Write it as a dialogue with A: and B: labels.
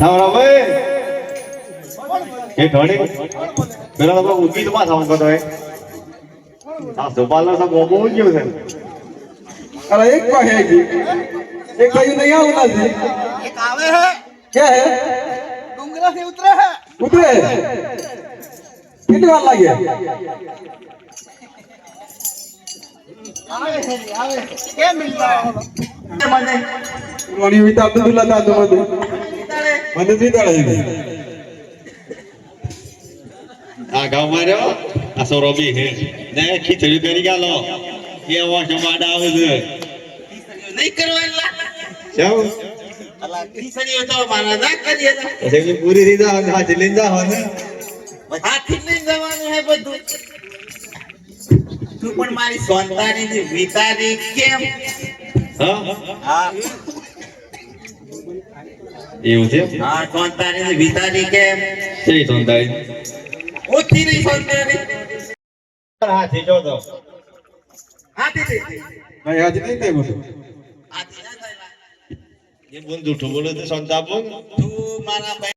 A: સાવરા ભાઈ એ ઢોળી પેલા તો ઊંચી માં સાઉન્ડ કરતો હોય આ સુપાલનો સબ ગોબો ગયો છે
B: अरे एक का है जी एक भाई नहीं आना जी
C: एक आवे है
B: क्या है
C: डूंगरा से उतरे है
B: उतरे कितनी बार लगे
C: आवे है आवे क्या मिल रहा है मने
B: रोनी विता अब्दुल्ला था तो मदद भी था है
A: આ ગામ માં રહ્યો આ સોરોબી હે ને ખીચડી કરી ગાલો એ વાસ માડા આવે છે
C: नहीं करवाला
A: જાવ
C: अल्लाह खीसड़ी तो माना ना करिए ना
A: એટલે પૂરી રીતે હાથ લઈને જાવ ને
C: हाथी नहीं जवान है બધું તું પણ મારી સોનતાની ની વિતારી કેમ
A: હા
C: હા
A: એવું છે
C: હા સોનતાની ની વિતારી કેમ
A: સહી સંતાઈ
C: ઓછી નહીં સોનતાની
A: હાથી જો તો
C: હાથી દે
B: भाई आज नहीं थे मुझे
C: હાથી ના થાય
A: એ બોલ જૂઠું બોલે તો સંતાપ
C: તું મારા